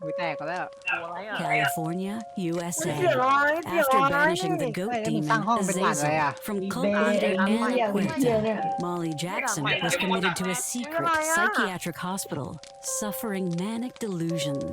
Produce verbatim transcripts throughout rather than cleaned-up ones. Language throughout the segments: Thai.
กูแตกก็แล้ว California, U S เดี๋ยว A. ร้อยเดี๋ยว After ร้อย banishing the goat demon Azazel from cult เบ leader ไอ้เหี้ย Anna ไอ้เหี้ย Puerta, เนี่ย Molly Jackson was committed to a secret psychiatric hospital, suffering manic delusions.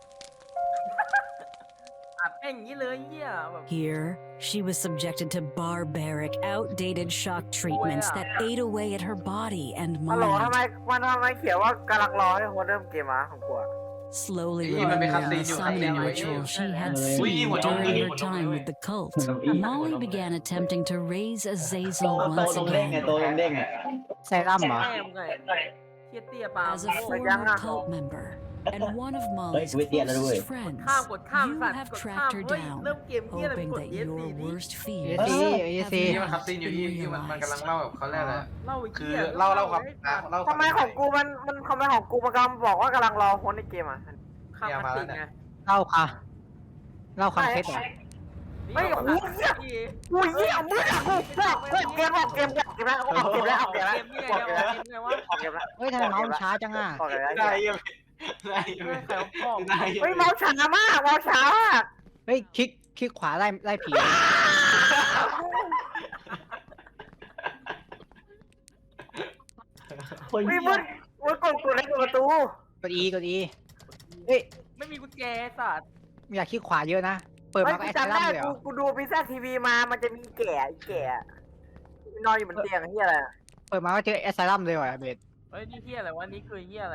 อัดแม่งอย่างนี้เลยเหี้ยแบบ Here, she was subjected to barbaric, outdated shock treatments that ate away at her body and ฮัลโหลทำ mind, ไมมันทำไมเขียนว่ากำลังรอให้คนเริ่มเกมมาของกูอะ slowly Hey, man, remembering may the cutscene summoning you- ritual she had Hey, seen what during don't her we- time with the cult. Hey. Molly began attempting to raise โต Azazel โต once ตรงเด้งไง again. โตตรงเด้งอ่ะไซรั่มเหรอแม่มึงไงเทียเตี้ยปลา As a โง่ former cult member and one of Molly's Wait, wait, yeah, no, wait. closest friends, ข้ามกดข้าม you สัตว์ have กด tracked ข้าม her เฮ้ย down, เริ่มเกมเหี้ยอะไร hoping กด that เอส your ดีดิ worst เอ fears ซี have เอซีนี่มันคั not ตซีนอยู่ been ที่ที่มันมันกำลัง realized. เล่าแบบเขาเรียกอะไรเล่าไอ้คืเหี้อย เล่าเล่าความเล่าทำไมของกูมันมันทำไมของกูมันกำลังบอกว่ากำลังรอคนในเกมอ่ะข้ามคัสติกไงเล่าค่ะเล่าคอนเทนต์เหรอไม่โอ้โหเหี้ยที่กูเหี้ยมืดอ่ะกูกูกูเกมออกเกมออกเกมแล้วออกเกมแล้วออกเกมแล้วเกมนี่ไงออกเกมแล้วเกมไงวะออกเกมแล้วเฮ้ยทำไมเมาส์มันช้าจังอ่ะออกเกมแล้วได้ยังได้ยังเฮ้ยใครเอาพ่อได้ยังเฮ้ยเมาส์ช้ามากเมาส์ช้ามากเฮ้ยคลิกคลิกขวาไล่ไล่ผีคนเฮ้ยเหี้มืยดมืดกดกดเล็กกดประตูกดอีกดอีเฮ้ยไม่มีกุญแจสัตว์อยากคลิกขวาเยอะนะเปิดเฮ้ยมาก็กูแอสไซจำรั่มได้เลยเหรกูอกูดูพิซซ่าทีวีมามันจะมีแก่แก่นอนอยู่บนเตียงเฮียอะไรเปิดมาก็เจอแอสไซรั่มเลยว่ะเบสเฮ้ยนี่เหี้ยอะไรวะนี่คือเหี้ยอะไร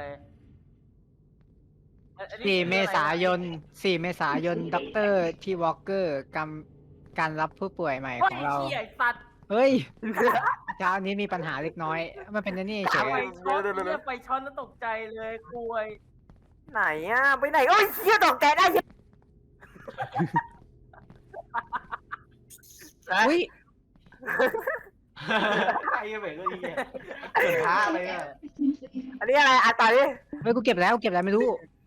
อันนี้สี่เมษายนสี่เมษายนด็อกเตอร์ที่วอลเกอร์กำการรับผู้ป่วยใหม่เฮ้ยของเราเหี้ยไอ้สัตว์เฮ้ยเช้านี้มีปัญหาเล็กน้อย มันเป็นอันนี่เฉไฟยช็อตเหี้ยไฟช็อตแล้วตกใจเลยคุยไหนอ่ะไปไหนโอ้ยเฮียตกใจได้เหี้ยอุ้ยไอ้ยังไงก็ดีเกิดท้าอะไรอ่ะอันนี้อะไรอ่ะต่อดิเฮ้ยกูเก็บแล้วกูเก็บแล้วไม่รู้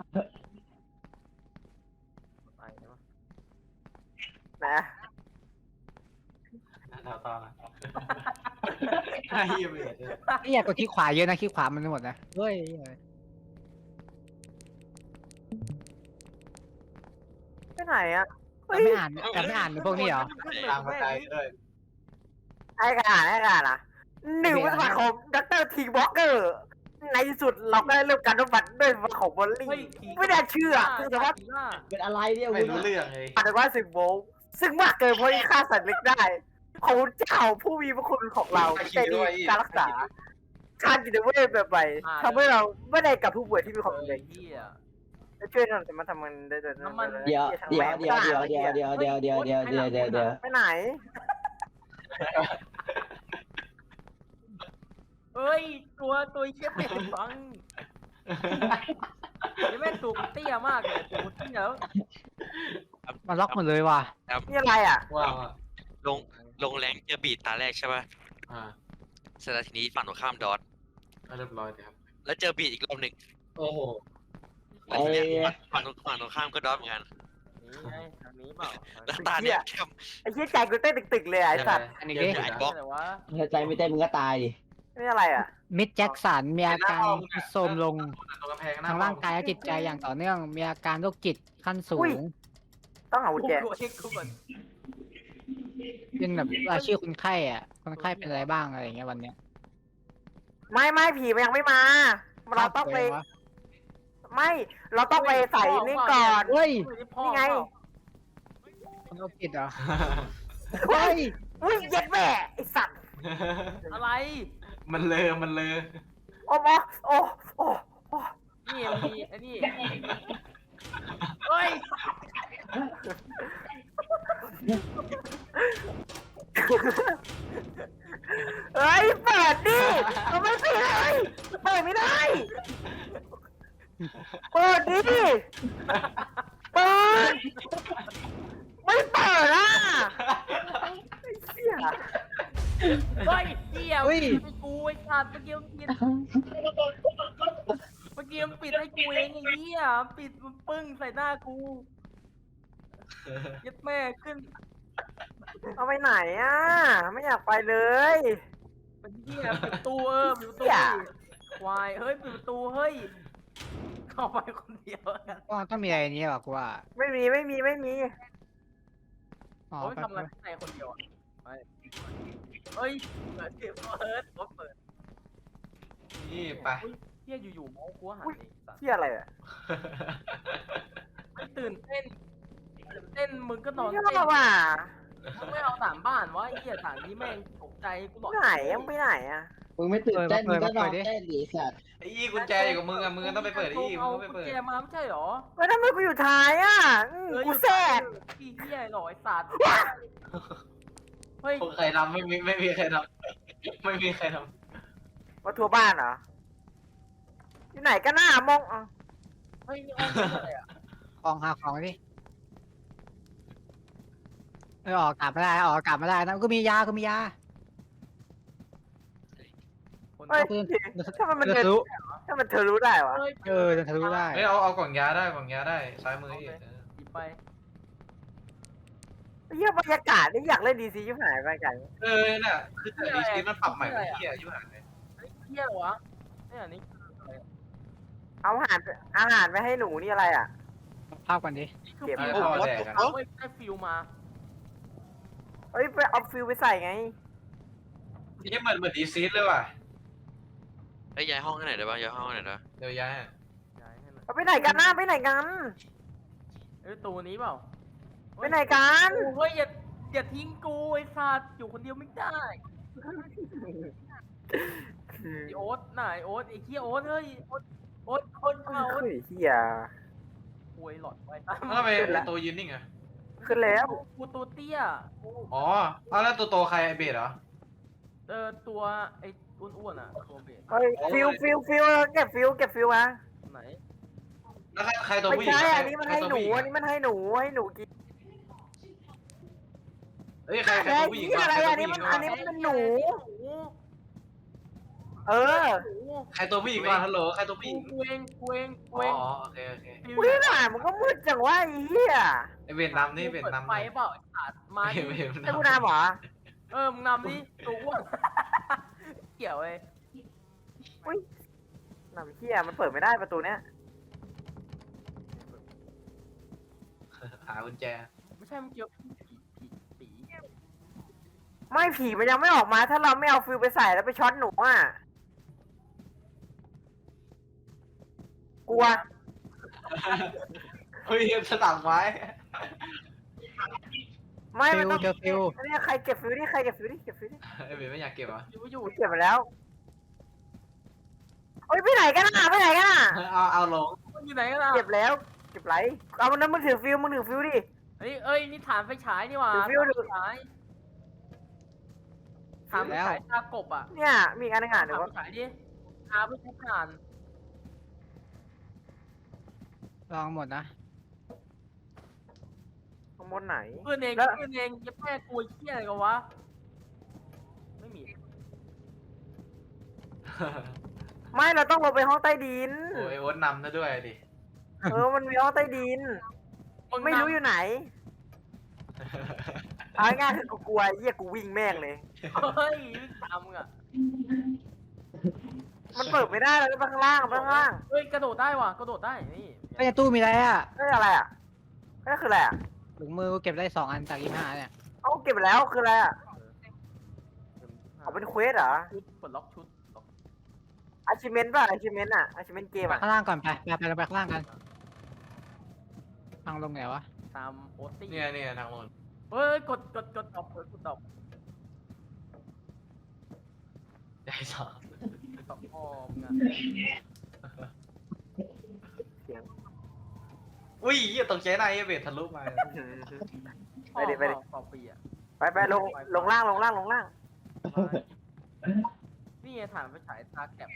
นะต่อต่อนะไอ้ยังไงไม่อยากกดคลิกขวาเยอะนะคลิกขวามันหมดนะเฮ้ยไปไหนอ่ะแต่ไม่อ่านแต่ไม่อ่านพวกนี้เหรอตามมาใจด้วยไอ้กระดาษไอ้กระดาษอ่ะหนึ่งวัตถุคมด็อกเตอร์ทีวอลเกอร์ในที่สุดเราก็ได้เริ่มการบำบัดด้วยวัตถุของบอลลี่เฮ้ยไม่น่าเชื่อคือแต่ว่าเป็นอะไรเนี่ยไม่คุณรู้เรื่องเลยอาจจะว่าสิบโวลต์ซึ่งมากเกินเพราะที่ฆ่าสัตว์เล็กได้ขอบคุณเจ้าผู้มีพระคุณของเราที่ใจดีการรักษาการจิตเวชแบบใหม่ทำให้เราไม่ได้กับผู้ป่วยที่มีความเอรุนอแรงเหี้ยจะช่วยทำแต่มาทำมันได้แต่น้ำมันเดี๋ยวเดี๋ยวเดี๋ยวเดี๋ยวเดี๋ยวเดี๋ยวเดี๋ยวเดี๋ยวเดี๋ยวเดี๋ยวเดี๋ยวเดี๋ยวไปไหนเฮ้ยตัวตัวเชี่ยเป็นฟังนี่แม่งตัวมันเตี้ยมากเลยตัวมันเตี้ยแล้วมันล็อกหมดเลยว่ะนี่อะไรอ่ะว้าวลงลงแรงเจอบีดตาแรกใช่ป่ะอ่าเสร็จแล้วทีนี้ฝั่งตรงข้ามดอทเรียบร้อยเลยครับแล้วเจอบีดอีกรอบหนึ่งโอ้โหแล้วทีเนี้ยฝั่งตรงฝั่งตรงข้ามก็ดอทเหมือนกันนี่ไงทางนี้เปล่าแล้วตาเนี้ยเข้มไอ้เชี่ยใจกูเต้นตึกๆเลยไอ้สัตว์อันนี้เจดิอไอ้บล็อกอะไรวะใจไม่เต้นมึงก็ตายดินี่อะไรอ่ะมิดแจ็คสันมีอาการโทรมลงตรงกำแพงทางร่างกายและจิตใจอย่างต่อเนื่อง มีอาการโรคจิตขั้นสูงต้องหากุญแจกูเช็คกูก่อนเป็นแบบรายชื่อคนไข้อ่ะ คนไข้เป็นอะไรบ้างอะไรอย่างเงี้ยวันเนี้ยไม่ไม่ผีมันยังไม่มา เราต้องไป ไม่ เราต้องไปใส่นี่ก่อนเฮ้ยนี่ไงคนโรคจิตเหรอเฮ้เฮ้ยยอุ้ยเย็ดแม่ไอ้สัตว์อะไรมันเลอมันเลอโอ้โหโอ้โอ้โอ้นี่มีไอ้นี่เฮ้ยเฮ้ยเปิดดิทำไมปิดเลยเปิดไม่ได้ เปิดดิเปิดไม่เปิดอ่ะไอ้เหี้ยเฮ้ยเหี้ยเฮ้ยปิดให้กูไอ้สัตว์เมื่อกี้มันปิดเมื่อกี้มันปิดให้กูเองไอ้เหี้ยปิดมันปึ้งใส่หน้ากูยัดแม่ขึ้นเอาไปไหนอ่ะ ไม่อยากไปเลยเป็นเหี้ยปิดประตูเออปิดประตูเหี้ยควายเฮ้ยปิดประตูเฮ้ยเข้าไปคนเดียวกันก็ต้องมีอะไรนี้หรอกูว่าไม่มีไม่มีไม่มีอ๋อโอ้ยแป๊บทำอะไรข้างในคนเดียวอะไปเฮ้ยเปิดเปิดเปิดรถเปิดนี่ไปเฮ้ยเฮียอยู่ๆเมาส์กูหันเองสัตว์เที่ยอะไรอ่ะไม่ตื่นเต้นตื่นเต้นมึงก็นอนเที่ยเต้นอะไรว่ะมึงไม่เอาสามบ้านวะไอ้เหี้ยสามนี้แม่งตกใจกูบอกไหนยังไปไหนอ่ะมึงไม่ตื่นเต้นมึงก็นอนเต้นดิสัตว์ไอ้อี้กุญแจอยู่กับมึงอะมึงก็ต้องไปเปิดไอ้อี้มึงเอาก็ไปเปิดกุญแจมาไม่ใช่หรอแล้วทำไมกูอยู่ท้ายอ่ะอืมกูแทรกพี่เหี้ยหรอไอ้สัตว์เฮ้ยใครทำไม่มีไม่มีใครทำไม่มีใครทมาทัวร์บ้านเหรอที่ไหนกันหน้ามองอ่ะเฮ้ยนี่ห้องอะไรอ่ะของหาของดิเออออกกลับไม่ได้ออกกลับไม่ได้นะกูมียากูมียาคนเฮ้ยปืนถ้ามันมันเดือเดิดนทะลุถ้ามันเธอรู้ได้วะเฮ้ยเออเดินทะลุได้ำไม่เอาเอากล่องยาได้กล่องยาได้ซ้ายมืออีกหยิบไปเฮียบรรยากาศนี่อยากเล่นดีซีชิบหายไปกันเออน่ะคือแต่ดีซีมันปรับใหม่เป็นที่อายุห่างเลยเฮ้ยเหี้ยเหรอวะเนี่ยนี่เอาอาหารอาหารไปให้หนูนี่อะไรอ่ะภาพกันดินี่คือเก็บฟิเอาวพ่อแดกอะเฮ้ยได้ฟิวมาเอ้ยไปเอาฟิลไปใส่ไงนี่เหมือนเหมือนดีซีเลยว่ะไอ้ยย้ายห้องให้ไหนอยได้ปะย้ายห้องให้ไหนอยได้ปะเดี๋ยวย้ายย้ายให้หน่อยเอาไปไหนกันนะไปไหนกันเอ้ยตัวนี้เปล่าไปไหนกันเฮ้ยอย่าอย่าทิ้งกูไอ้สัตว์อยู่คนเดียวไม่ได้ไอ้โอ๊ตน่ะไอ้โอ๊ตไอ้เหี้ยโอ๊ตเฮ้ยโอ๊ตโอ๊ตคนมาโอ๊ตเฮ้ยเฮียป่วยหลอดไว้ตามแล้วทำไมตัวยืนนิ่งอะขึ้นแล้วกูตัวเตี้ยกูอ๋อเอาแล้วตัวโตใครไอเบสเหรอเออตัวไอ้อ้วนๆอ่ะตัวเบสเฮ้ยฟิลฟิลฟิลเก็บฟิลเก็บฟิลมาไหนแล้วใครใครตัวไม่ผู้หญิงใช่ใครอันนี้มันให้หนูใครตัวผู้ญิงอันนี้มันให้หนูให้หนูกินเอ้ยใครใครไอ้ตัวผู้หญิงที่อะไรใครอัตันวนี้ผู้หญิงมันอันนี้มันเป็นหนูหนูเออหนูใครตัวผู้หญิงก่อนฮัลโหลใครตัวผู้หกูญิงกูเองกูเองกูอ๋เองอโอเคโอเคฟิวอุ้ยหน่ามันก็มืดจังว่าไอ้เหี้ยไอเบสนำนี่เบสปิดนำไฟเปล่าไอ้สัตว์มาดิเบสไอ้กูนามเหรอเออมึงนำดิตัวอ้วน เกี่ยวเว้ยอุ้ยนำเหี้ยมันเปิดไม่ได้ประตูเนี้ยหากุญแจไม่ใช่มันเกี่ยวผีผีผีไม่ผีมันยังไม่ออกมา ถ้าเราไม่เอาฟิลไปใส่แล้วไปช็อตหนูอ่ะกลัวเฮ้ยสลับไว้ไม่ฟิมันวต้องเจอฟิวอันนี้ใครเก็บฟิลนี่ใครเก็บฟิลนี่เก็บฟิลนี่ไอเบสไม่อยากเก็บเหรออยู่อยู่กูเก็บไปแล้วเฮ้ยไปไหนกันอ่ะไปไหนกันอ่ะเอาเอาลงมันอยู่ไหนกันล่ะเก็บแล้ว เก็บไรเอามันนั้นมึงถือฟิลมึงถือฟิลดิเฮ้ยเอ้ยนี่ฐานไฟฉายนี่หว่าดูฟิวดูฐานไฟฉายฐานไฟฉายตากบอ่ะเนี่ยมีอีกอันหนึงอ่ะฐานเดี๋ยวไฟว่าฉายดิหาเพื่อใช้ฐานลองหมดนะข้างบนไหนเพื่อนเองแล้วเพื่อนเองจะแพ้กลัวเหี้ยอะไรกันวะไม่มีไม่เราต้องลงไปห้องใต้ดินโอ้ยโอ๊ตนำซะด้วยดิเออมันมีห้องใต้ดินงไม่รู้นำอยู่ไหนเอาง่ายๆคือกูกลัวไอ้เหี้ยกูวิ่งแม่งเลยเฮ้ยวิ่งตามมึงอ่ะมันเปิดไม่ได้เลยไปข้างล่างไปข้างล่างเฮ้ยกระโดดได้ว่ะกระโดดได้นี่ไอ้ในตู้มีอะไรอ่ะเฮ้ยอะไรอ่ะนั่นคืออะไรอ่ะถุงมือกูเก็บได้สองอันจากยี่ห้าเนี่ยเอาเก็บไปแล้วคืออะไรอ่ะเอาเป็นเควสเหรอชุดปลดล็อกชุดล็อกอาชิเมนต์ป่ะอาชิเมนต์อ่ะอาชิเมนต์เกมไปอ่ะข้างล่างก่อนไปไปไปไปข้างล่างกันทางลงไหนวะตามโอตี้เนี่ยเนี่ยทางโน้นเฮ้ยกดกดกดดอกกดดอกใหญ่สองดอกพ่อมึงอ่ะอุ้ยเหี้ยตกใจในไอเบสทะลุมาไปดิไปดิพ่อพ่อปีอ่ะไปไปลงลงล่างลงล่างลงล่างนี่ไงฐานไฟฉายตาแก็บ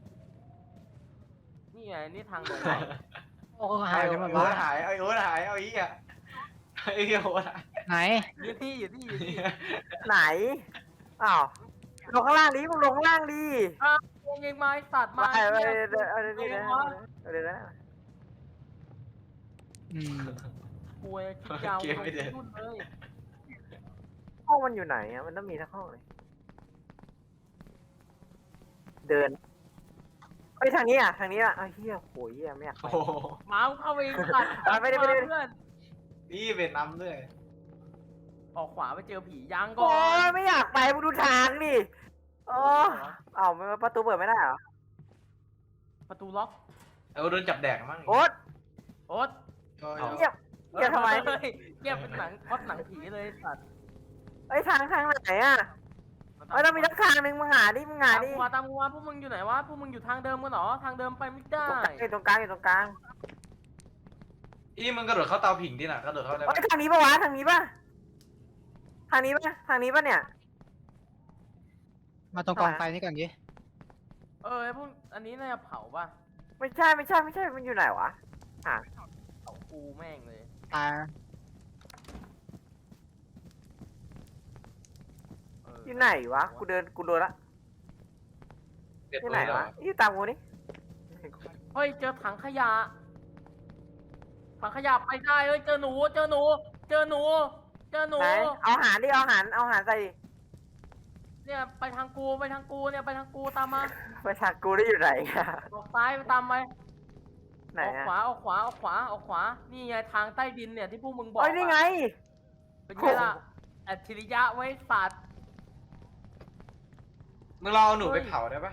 นี่ไงนี่ทางลงโอ้หายไปหมดโอ๊วะตหายไอโอ๊ตหายเอาอีกอ่ะไอ้เหี้ยโอ๊ตหายไหนอยู่ที่อยู่ที่อยู่ที่ไหนอ้าวลงข้างล่างดิมึงลงข้างล่างดิวงยังไม้สัตว์ไปมาไปเนี่ยเดี๋ยวเอาเดี๋ยวนี้นะเดี๋ยวนะอืมป่วยคิดยาวลงทุ่นเลยห้องมันอยู่ไหนอ่ะมันต้องมีทั้งห้องเลยเดินไปทางนี้อ่ะทางนี้อ่ะไอ้เหี้ยโหยเหี้ยไม่อยากไปโอ้โหมาเข้าไปตัดอ่ะไม่ได้ไม่ได้เพื่อนนี่เป็นน้ำด้วยออกขวาไปเจอผียังก่โอ้อนยไม่อยากไปมึงดูทางดิโอ้เอ้ามันประตูเปิดไม่ได้เหรอประตูล็อกเออโดนจับแดกมั้งโอ๊ตโอ๊ตก็เงียบเงียบทำไมเฮ้ยเงียบเป็นหนังพอดหนังผีเลยสัตว์ไอ้ยทางทางไหนอ่ะไอ้ยต้องมีทักทางหนึ่งมึงหาดิมึงหาตามดิกูมาตามกูมาพวกมึงอยู่ไหนวะพวกมึงอยู่ทางเดิมกันเหรอทางเดิมไปไม่ได้อยู่ตรงกลางอยู่ตรงกลางอีมึงกระโดดเข้าเตาผิงดิน่ะกระโดดเข้าได้ไอ้ยทางนี้ปะวะทางนี้ปะทางนี้ปะทางนี้ปะเนี่ยมาตรงกองไฟนี่ก่อนดิเออไอ้พวกอันนี้น่าจะเผาป่ะไม่ใช่ไม่ใช่ไม่ใช่มันอยู่ไหนวะเผากูแม่งเลยตายเอออยู่ไหนวะกูเดินกูโดนละเด็ดที่เลไหนยวะนี่ตามกูนี่เฮ้ยเจอถังขยะถังขยะไปได้เฮ้ยเจอหนูเจอหนู เจอหนู เจอหนูไหนเอาอาหารดิเอาอาหารเอาอาหารใส่ดิเนี่ยไปทางกูไปทางกูเนี่ยไปทางกูตามมาไปทางกูได้อยู่ไหนอะออกซ้ายไปตามไปไหนออกอะขวาออกขวาออกขวาออกขวา นี่ไงทางใต้ดินเนี่ยที่พวกมึงบอกเอ้ยนี่ไงเป็นไงล่ะอัจฉริยะไว้สัตว์มึงลองเอาหนูไปเผาได้ปะ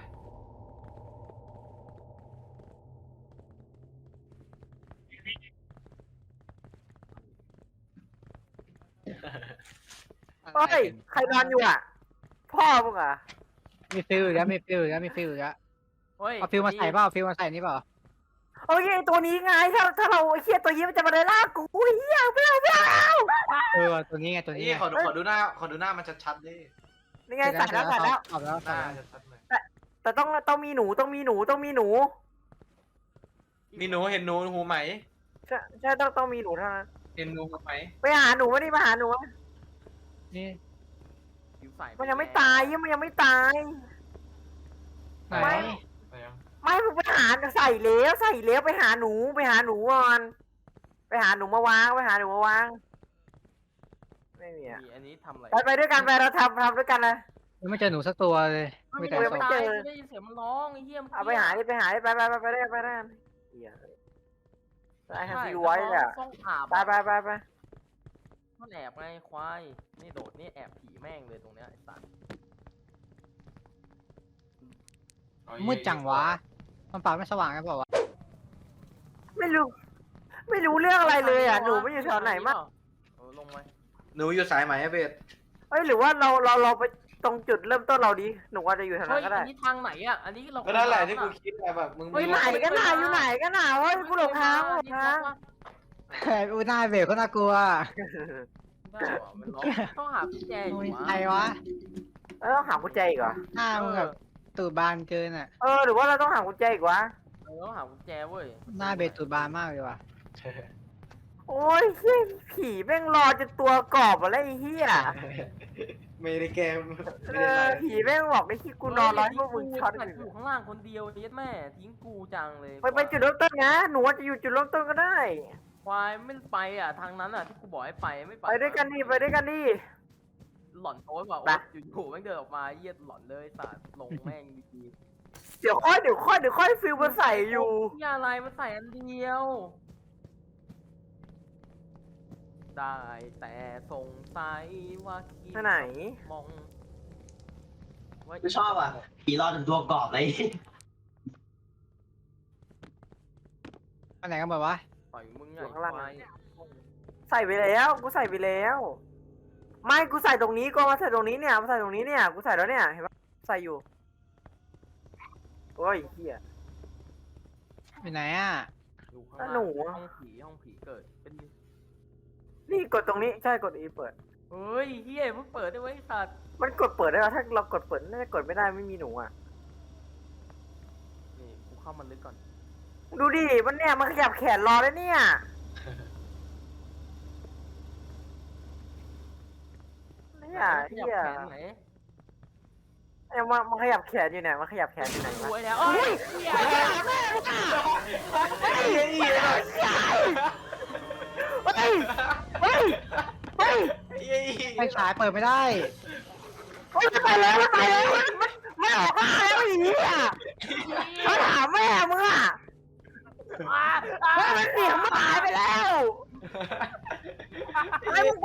เฮ้ยใครนอนอยู่อ่ะ พ่อมึงอ่ะมีฟิลอีกแล้วมีฟิลอีกแล้วมีฟิลอีกแล้วเฮ้ยเอาฟิลมาใส่เปล่าเอาฟิลมาใส่นี่เปล่าโอ้ยไอ้ตัวนี้ไงถ้าถ้าเราไอ้เคียตัวนี้มันจะมาได้ล่ากูอุ้ยเหี้ยไม่เอาไม่เอาเออตัวนี้ไงตัวนี้นี่ไงขอดูขอดูหน้าขอดูหน้ามันชัดๆดินี่ไงใส่แล้วใส่แล้วตอบแล้วหตอบน้าแล้วชัดๆเลยแต่ต้องต้องมีหนูต้องมีหนูต้องมีหนูมีหนูเห็นหนูหูไหมใช่ใช่ต้องต้องมีหนูเท่านั้นเห็นหนูหูไหมไปหาหนูมาดิมาหาหนูมานี่ผิวใสมันยังไม่ตายยังมันยังไม่ตายไหนไม่ไปยังไม่มึงไปหาใส่เล้วใส่เล้วไปหาหนูไปหาหนูก่อนไปหาหนูมาวางไปหาหนูมาวางไม่มีอ่ะมีอันนี้ทำอะไรไปไปด้วยกันไปเราทำทำด้วยกันเลยยังไม่เจอหนูสักตัวเลยไม่มีมีแต่ใครศพตายไม่ได้ยินเสียงมันร้องไอ้เหี้ยมันเอาไปหาดิไปหาดิไปไปไปไปได้ไปได้เหี้ยไอ้ฮันซีไว้เลยอ่ะต้องอาบไปไปไปไปมันแอบไงควายนี่โดดนี่แอบผีแม่งเลยตรงเนี้ยไอ้สัตว์มืดจังวะมันปากไม่สว่างกันเปล่าวะไม่รู้ ไม่รู้เรื่องอะไรเลยอ่ะหนูไม่อยู่แถวไหนมั้งเออลงไปหนูอยู่สายไหมอะเบสเอ้ยหรือว่าเราเราเราไปตรงจุดเริ่มต้นเราดีหนูอาจจะอยู่แถวเฮ้นั้ยนก็ได้อันนี้ทางไหนอ่ะอันนี้เราก็นั่นแหละที่กูคิดอะแบบมึงเฮ้ยไหนกันน่ะอยู่ไหนกันน่ะเฮ้ยกูหลงทางกูหลงทางเฮ้ยอูหน้าเบรกก็น่ากลัวได้เหรอมันร้องต้องหากุญแจอยู่โอ้ยวะใครวะเออต้องหากุญแจอีกเหรอหน้ามึงแบบตูดบานเกินอ่ะเออหรือว่าเราต้องหากุญแจอีกวะเออต้องหากุญแจเว้ยหน้าเบรกตูดบานมากเลยว่ะโอ้ยเหี้ยผีแม่งรอจนตัวกรอบอะไรไอ้เหี้ยไม่ได้แกมไม่เอได้ออะไรผีแม่งบอกไอ้ที่กูนอนร้อยพวกมึงช็อตกูอยู่ข้างล่างคนเดียวเย็ดแม่ทิ้งกูจังเลยไปไปจุดเริ่มต้นนะหนูอาจจะอยู่จุดเริ่มต้นก็ได้ควายไม่ไปอ่ะทางนั้นอ่ะที่กูบอกให้ไปไม่ไปไปด้วยกันดิไปด้วยกันดิหล่อนโอ้ยบอกไปว่าอยู่ๆแม่งเดินออกมาเยียดหล่อนเลยสัตว์ลงแม่งดีเดี๋ยวค่อยเดี๋ยวค่อยเดี๋ยวค่อยฟิลมาใส่อยู่ๆนี่อะไรมันใส่อันเดียว ได้แต่สงสัยว่าคิดที่ไหนมองว่ากูชอบอ่ะผีรอดจนตัวกรอบเลยอันไหนกันหมดวะต่อยมึงไงอยู่ข้างล่างควายใส่ไปแล้วกูใส่ไปแล้ว ไม่กูใส่ตรงนี้ก็มาใส่ตรงนี้เนี่ยมาใส่ตรงนี้เนี่ยกูใส่แล้วเนี่ยเห็นปะใส่อยู่โอ้ยเหี้ยอยู่ไหนอ่ะอยู่ข้างอ่ะล่างหนูห้องผีห้องผีเกิดเป็นนี่กดตรงนี้ใช่กดอีเปิดเฮ้ยเฮียเพิ่งเปิดได้ไว้ยสัตว์มันกดเปิดได้เหรอถ้าเรากดเปิดน่าจะกดไม่ได้ไม่มีหนูอ่ะนี่กูเข้ามันลึกก่อนดูดิมันเนี่ยมันขยับแขนรอแล้วเนี่ยเนี่ยขยับเหี้ยแขนไหนเนี่ยมันมันขยับแขนอยู่เนี่ยมันขยับแขนอยู่ไหนรวะวยแล้วเอ้ยเฮียเฮ้ยเฮ้ยเฮ้ยเฮ้ยไฟฉายเปิดไม่ได้เฮ้ยไปแล้วไปแล้วมันไม่ออกมาแล้วอีกอ่ะเขาถามแม่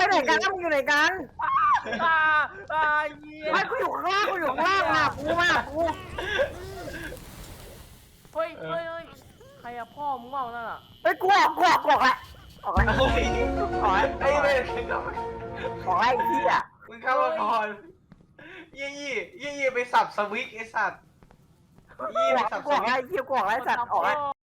ไหนกันมึงอยู่ไหนกันอ่าอ่าเหี้ยไม่กูอยู่ข้างล่างกูอยู่ข้างล่างอ่ะกูมากูเฮ้ยเฮ้ยเฮ้ยใครอะพ่อมึงเปล่านั่นอะเฮ้ยกูออกกูออกกูออกละออกละเฮ้ยออกละไอ้เว้ยออกละไอ้เหี้ยมึงเข้ามาก่อนยี่ยี่ยี่ยี่ไปสับสวิกไอ้สัตว์ยี่กูไปออกสับกูสออกวิละกไอ้เหี้ยกูออกละไอ้สัตว์ออกละ